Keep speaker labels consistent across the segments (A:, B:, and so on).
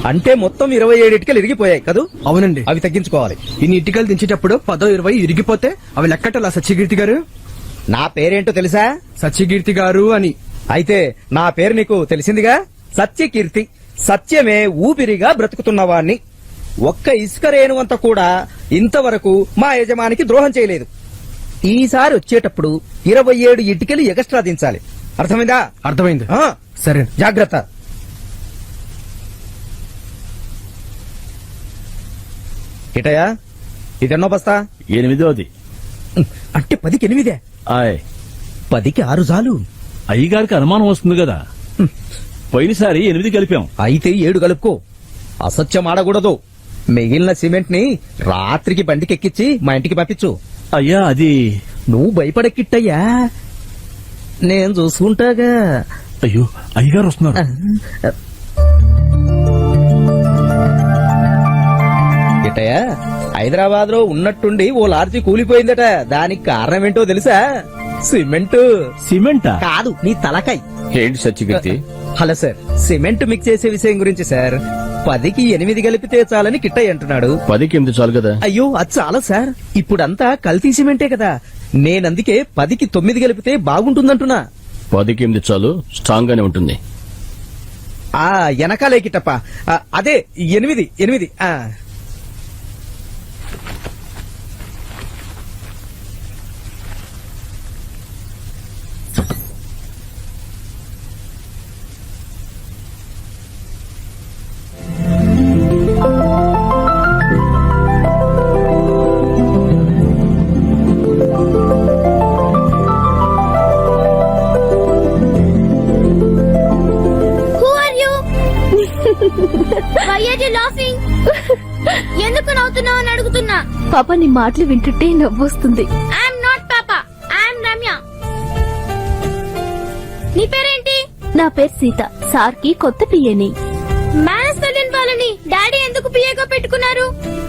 A: అంటే మొత్తం 27 ఇటుకలు ఇరిగిపోయాయి కదూ?
B: అవునండి.
A: అవి తగ్గించుకోవాలి.
B: ఇన్ని ఇటుకలు దించేటప్పుడు 10-20 ఇరిగిపోతే అవి లెక్కటలా సత్యకీర్తి గారు.
A: నా పేరేంటో తెలుసా?
B: సత్యకీర్తి గారు అని.
A: అయితే నా పేరు నీకు తెలిసిందిగా, సత్యకీర్తి. సత్యమే ఊపిరిగా బ్రతుకుతున్నవాణ్ణి. ఒక్క ఇసుక రేణువంత కూడా ఇంతవరకు మా యజమానికి ద్రోహం చేయలేదు. ఈసారి వచ్చేటప్పుడు 27 ఇటుకలు ఎగస్ట్రా దించాలి. అర్థమైందా?
B: అర్థమైంది.
A: సరే, జాగ్రత్త. ఇటయా, ఇదెన్నో బస్తా?
C: 8వ.
A: అంటే 10కి 8.
C: ఆయ్,
A: 10కి 6 చాలు.
C: అయ్యగారికి అనుమానం వస్తుంది కదా. పోయినసారి 8 కలిపాం.
A: అయితే 7 కలుపుకో. అసత్యం ఆడకూడదు. మిగిలిన సిమెంట్ ని రాత్రికి బండికెక్కించి మా ఇంటికి పంపించు.
C: అయ్యా, అది
A: నువ్వు భయపడకిట్టయ్యా, నేను చూసుకుంటాగా.
C: అయ్యో, అయ్యగారు వస్తున్నారు.
A: గిట్టయ్యా, హైదరాబాద్ లో ఉన్నట్టుండి ఓ లార్జీ కూలిపోయిందట. దానికి కారణం ఏంటో తెలుసా? సిమెంట్.
C: సిమెంటా?
A: కాదు, నీ తలకాయ్.
C: ఏంటి Satyakirti?
A: Hello sir, cement mix చేసే విషయం గురించి సార్. 10కి 8 కలిపితే చాలని కిట్టయ్య అంటున్నాడు.
C: 10కి 8 చాలు కదా.
A: అయ్యో, అది చాలా సార్. ఇప్పుడంతా కల్తీ సిమెంటే కదా. నేనందుకే 10కి 9 కలిపితే బాగుంటుందంటున్నా.
C: 10కి 8 చాలు, స్ట్రాంగ్ గానే ఉంటుంది.
A: ఆ వెనకాలే కిట్టప్ప. అదే 8.
D: ఎందుకు నవ్వుతున్నావు అని అడుగుతున్నా.
E: పాప, నీ మాటలు వింటుంటే నవ్వొస్తుంది.
D: ఐఎమ్ నాట్ పాప, ఐఎమ్ రమ్య. నీ పేరేంటి?
E: నా పేరు సీత. సార్ కి కొత్త పియ్యని.
D: మేనేజ్ తెలియని వాళ్ళని డాడీ ఎందుకు పిఏగా పెట్టుకున్నారు?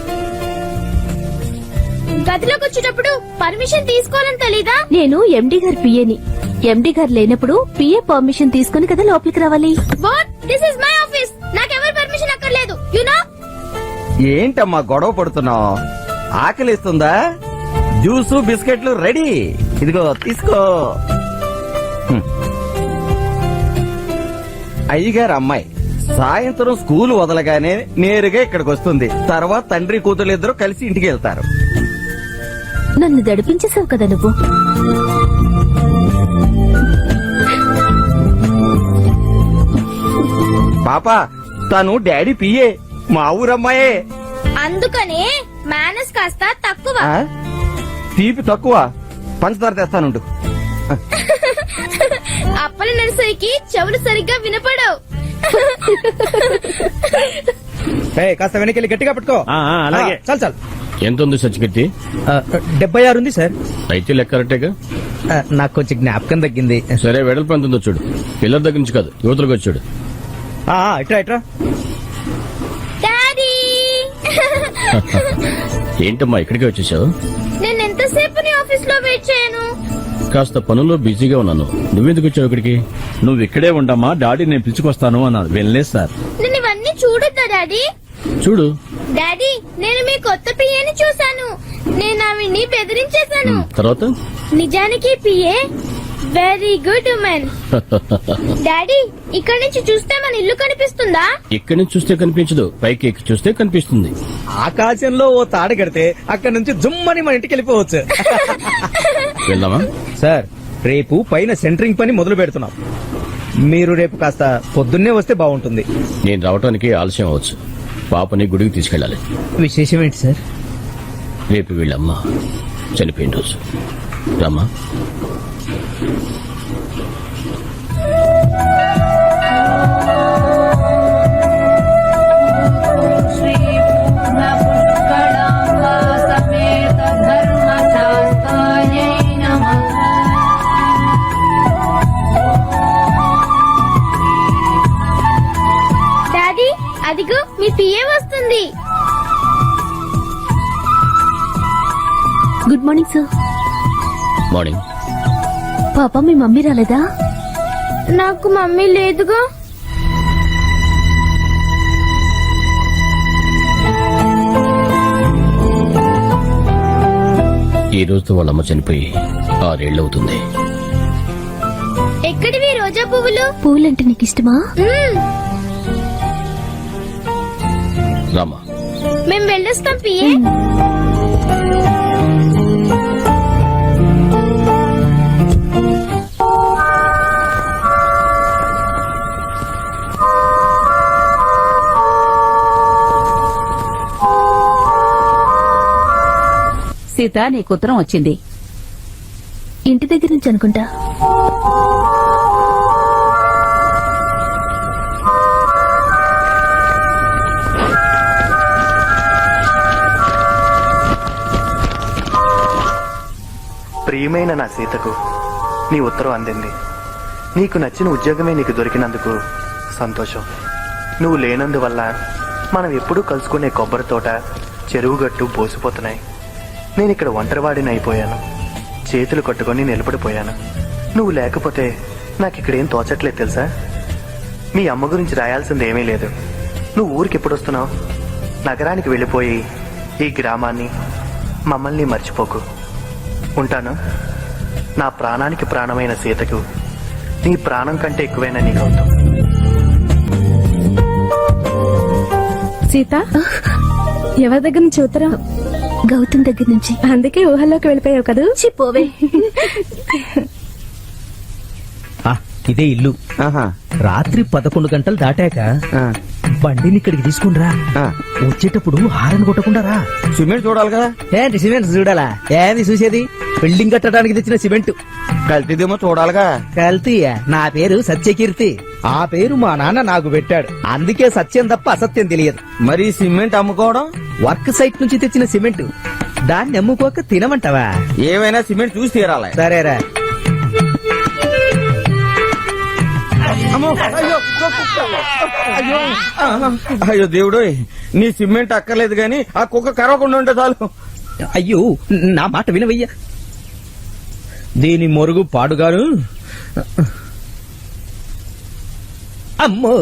D: గదిలోకి వచ్చేటప్పుడు పర్మిషన్ తీసుకోవాలని తెలీదా?
E: నేను ఎండి గారి పియ్యని. ఎండి గారు లేనప్పుడు పిఏ పర్మిషన్ తీసుకుని కదా లోపలికి రావాలి.
D: What? This is my office. నాకెవరి పర్మిషన్ అక్కర్లేదు. You know?
A: ఏంటమ్మా గొడవ పడుతున్నావు? ఆకలిస్తుందా? జ్యూసు బిస్కెట్లు రెడీ. ఇదిగో తీసుకో. అయ్యగారు అమ్మాయి సాయంత్రం స్కూల్ వదలగానే నేరుగా ఇక్కడికి వస్తుంది. తర్వాత తండ్రి కూతురు ఇద్దరు కలిసి ఇంటికి వెళ్తారు.
E: నన్ను దడిపించేసావు కదా నువ్వు.
A: పాప, తను డాడీ పిఏ, మా ఊరమ్మాయే.
D: అందుకనే మేనేజ్ కాస్త తక్కువ.
A: తీపి తక్కువ. పంచదార తెస్తానుండు.
D: అప్పల నర్సరీకి చెవులు సరిగ్గా వినపడవు.
A: కాస్త వెనకెళ్ళి గట్టిగా పట్టుకో.
C: అలాగే.
A: చాలు చాలు.
C: ఎంత ఉంది సత్యకీర్తి?
A: 76 ఉంది సార్.
C: అయితే లెక్క కరెక్టేగా.
A: నాకు కొంచెం జ్ఞాపకం తగ్గింది.
C: సరే, వెడల్పు ఎంత ఉందో చూడు. పిల్లల దగ్గర నుంచి కాదు, యువతలకు వచ్చి చూడు.
A: ఇట్రా.
D: డాడీ,
C: ఏంటమ్మా ఇక్కడికే వచ్చేసావు?
D: నేను ఎంతసేపు నీ ఆఫీస్ లో వెయిట్ చేయను?
C: కాస్త పనుల్లో బిజీగా ఉన్నాను. నువ్వెందుకు వచ్చావు ఇక్కడికి?
F: నువ్వు ఇక్కడే ఉండమ్మా, డాడీ నేను పిలుచుకొస్తాను అన్నారు. వెళ్ళలేదు సార్.
D: నేను ఇవన్నీ చూడొద్దా డాడీ?
C: చూడు.
D: డాడీ, నేను మీ కొత్త పిఏని చూశాను. నేను ఆవిడ్ని బెదిరించేశాను.
C: తర్వాత?
D: నిజానికి PA very good woman. Daddy, ఇక్కడి నుంచి చూస్తే మన ఇల్లు కనిపిస్తుందా?
C: ఇక్కడి నుంచి చూస్తే కనిపించదు, పైకి ఎక్కి చూస్తే కనిపిస్తుంది.
A: ఆకాశంలో ఓ తాడు కడితే అక్కడి నుంచి జుమ్మని మన ఇంటికి వెళ్ళిపోవచ్చు.
C: వెళ్దామా?
A: సార్, రేపు పైన సెంటరింగ్ పని మొదలు పెడుతున్నాం. మీరు రేపు కాస్త పొద్దున్నే వస్తే బాగుంటుంది.
C: నేను రావడానికి ఆలస్యం అవ్వచ్చు. పాపని గుడికి తీసుకెళ్ళాలి.
A: విశేషం ఏంటి సార్?
C: రేపు వీళ్ళమ్మ చనిపోయిన రోజు. రామ్మా.
D: డాడీ, అదిగో మీ పిఏ వస్తుంది.
E: Good morning sir.
C: మార్నింగ్.
E: పాప, మీ మమ్మీ రాలేదా?
D: నాకు మమ్మీ లేదుగా.
G: ఈ రోజుతో వాళ్ళ అమ్మ చనిపోయి 6 ఏళ్లవుతుంది.
D: ఎక్కడివి రోజా పువ్వులు?
E: పూలంటే నీకు ఇష్టమా?
G: రామా,
D: మేము వెళ్ళొస్తాం పిఏ.
H: సీత, నీకు ఉత్తరం వచ్చింది.
E: ఇంటి దగ్గర నుంచి అనుకుంటా.
I: ప్రియమైన నా సీతకు నీ ఉత్తరం అందింది. నీకు నచ్చిన ఉద్యోగమే నీకు దొరికినందుకు సంతోషం. నువ్వు లేనందువల్ల మనం ఎప్పుడూ కలుసుకునే కొబ్బరి తోట, చెరువుగట్టు బోసిపోతున్నాయి. నేను ఇక్కడ ఒంటరివాడిని అయిపోయాను. చేతులు కట్టుకొని నిలబడిపోయాను. నువ్వు లేకపోతే నాకు ఇక్కడేం తోచట్లేదు తెలుసా. మీ అమ్మ గురించి రాయాల్సింది ఏమీ లేదు. నువ్వు ఊరికి ఎప్పుడు వస్తున్నావు? నగరానికి వెళ్ళిపోయి ఈ గ్రామాన్ని, మమ్మల్ని మర్చిపోకు. ఉంటాను. నా ప్రాణానికి ప్రాణమైన సీతకు నీ ప్రాణం కంటే ఎక్కువైనా నీకు అవుతాం.
J: సీత, ఎవరి దగ్గర నుంచి ఉత్తరం?
E: గౌతమ్ దగ్గర నుంచి.
J: అందుకే ఊహల్లోకి వెళ్ళిపోయావు కదా.
E: పోవే.
A: ఇదే ఇల్లు. రాత్రి 11 గంటలు దాటాక బండిని ఇక్కడికి తీసుకునిరా. వచ్చేటప్పుడు హారన్ కొట్టకుండా రా. సిమెంట్ చూడాలి కదా. ఏంటి సిమెంట్ చూడాలా? ఏంది చూసేది? బిల్డింగ్ కట్టడానికి తెచ్చిన సిమెంట్. కల్తీదేమో చూడాలిగా. కల్తీయా? నా పేరు సత్యకీర్తి. ఆ పేరు మా నాన్న నాకు పెట్టాడు. అందుకే సత్యం తప్ప అసత్యం తెలియదు. మరి సిమెంట్ అమ్ముకోవడం? వర్క్ సైట్ నుంచి తెచ్చిన సిమెంట్. దాన్ని అమ్ముకోక తినమంటావా? ఏమైనా సిమెంట్ చూసి తీరాలి. సరేరా. అయ్యో దేవుడు, నీ సిమెంట్ అక్కర్లేదు గాని ఆ కుక్క కరవకుండా ఉంటే చాలు. అయ్యో, నా మాట వినవయ్యా. దీని మొరుగు పాడుగాను. అమ్మో,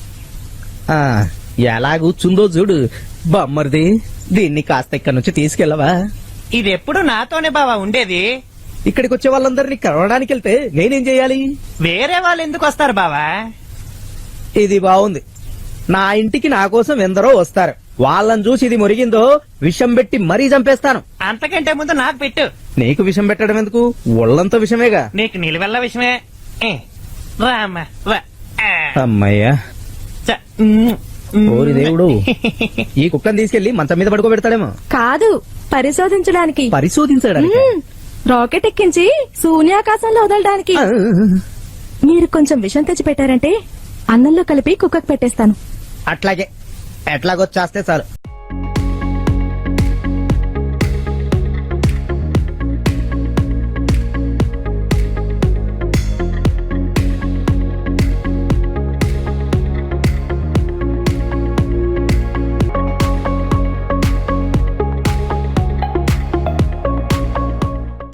A: ఎలా కూర్చుందో చూడు. బమ్మరిది, దీన్ని కాస్త ఇక్కడి నుంచి తీసుకెళ్ళవా?
K: ఇది ఎప్పుడు నాతోనే బావా ఉండేది.
A: ఇక్కడికి వచ్చే వాళ్ళందరినీ కలవడానికి వెళ్తే నేనేం చేయాలి?
K: వేరే వాళ్ళు ఎందుకు వస్తారు బావా?
A: ఇది బాగుంది. నా ఇంటికి నా కోసం ఎందరో వస్తారు. వాళ్ళని చూసి ఇది మురిగిందో విషం పెట్టి మరీ చంపేస్తాను.
K: అంతకంటే ముందు నాకు పెట్టు.
A: నీకు విషం పెట్టడం ఎందుకు? ఒళ్ళంతా విషమేగా.
K: నీకు నిలువెల్ల విషయమే. రామ్మా, రా.
A: అమ్మయ్యా. ఓరి దేవుడు, ఈ కుక్కను తీసుకెళ్లి మంచం మీద పడుకోబెడతాడేమో.
J: కాదు, పరిశోధించడానికి.
A: పరిశోధించడానికి?
J: రాకెట్ ఎక్కించి శూన్యాకాశంలో వదలడానికి. మీరు కొంచెం విషం తెచ్చి పెట్టారంటే అన్నంలో కలిపి కుక్కకు పెట్టేస్తాను.
A: అట్లాగే, ఎట్లాగొచ్చేస్తే చాలు.